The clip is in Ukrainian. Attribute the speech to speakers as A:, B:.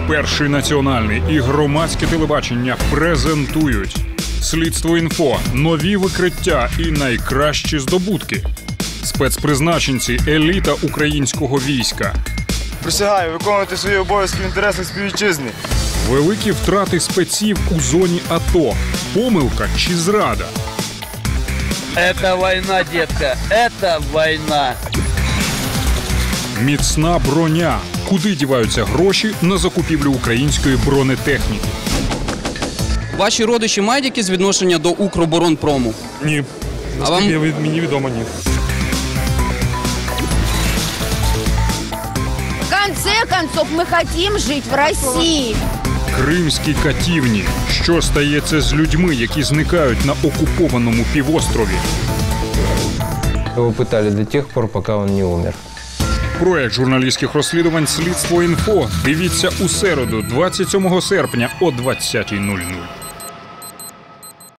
A: Перший національний і громадське телебачення презентують «Слідство.Інфо», нові викриття і найкращі здобутки. Спецпризначенці – еліта українського війська.
B: Присягаю виконувати свої обов'язки в інтересах співвітчизни.
A: Великі втрати спеців у зоні АТО. Помилка чи зрада?
C: Это война, детка, это война.
A: Міцна броня. Куди діваються гроші на закупівлю української бронетехніки?
D: Ваші родичі мають якісь відношення до Укроборонпрому?
E: Ні. Наскільки мені відомо, ні.
F: В конце концов, мы хотим жить в России.
A: Кримські катівні. Що стається з людьми, які зникають на окупованому півострові?
G: Его пытали до тех пор, пока он не умер.
A: Проект журналістських розслідувань «Слідство.Інфо» дивіться у середу, 27 серпня о 20:00.